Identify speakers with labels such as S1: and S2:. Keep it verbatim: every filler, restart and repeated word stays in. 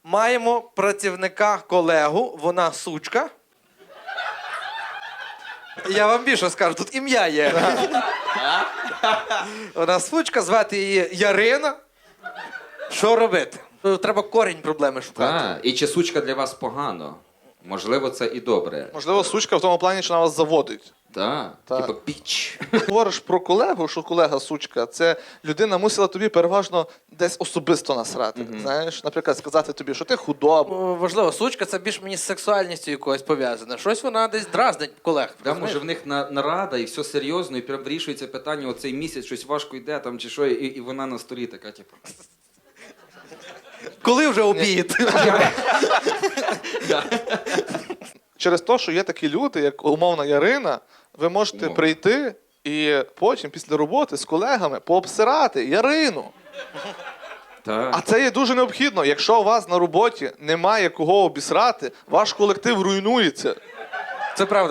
S1: Маємо працівника колегу, вона сучка. Я вам більше скажу, тут ім'я є. Вона сучка, звати її Ярина. Що робити? Треба корінь проблеми шукати.
S2: Так, і чи сучка для вас погано? Можливо, це і добре.
S3: Можливо, сучка в тому плані, що вона вас заводить.
S2: Так,
S3: Так.
S2: типа піч.
S3: Говориш про колегу, що колега сучка, це людина мусила тобі переважно десь особисто насрати. Mm-hmm. Знаєш, наприклад, сказати тобі, що ти худоба.
S1: О, важливо, сучка це більш мені з сексуальністю якоюсь пов'язане. Щось вона десь дразнить колег.
S2: Да, може в них на, нарада і все серйозно, і прям вирішується питання, оцей місяць щось важко йде там чи що, і, і вона на столі така, типу.
S1: Коли вже обід?
S3: Через те, що є такі люди, як умовна Ярина, ви можете
S2: Умовно.
S3: прийти і потім, після роботи, з колегами пообсирати Ярину.
S2: Так.
S3: А це є дуже необхідно. Якщо у вас на роботі немає кого обісрати, ваш колектив руйнується.
S1: Це правда.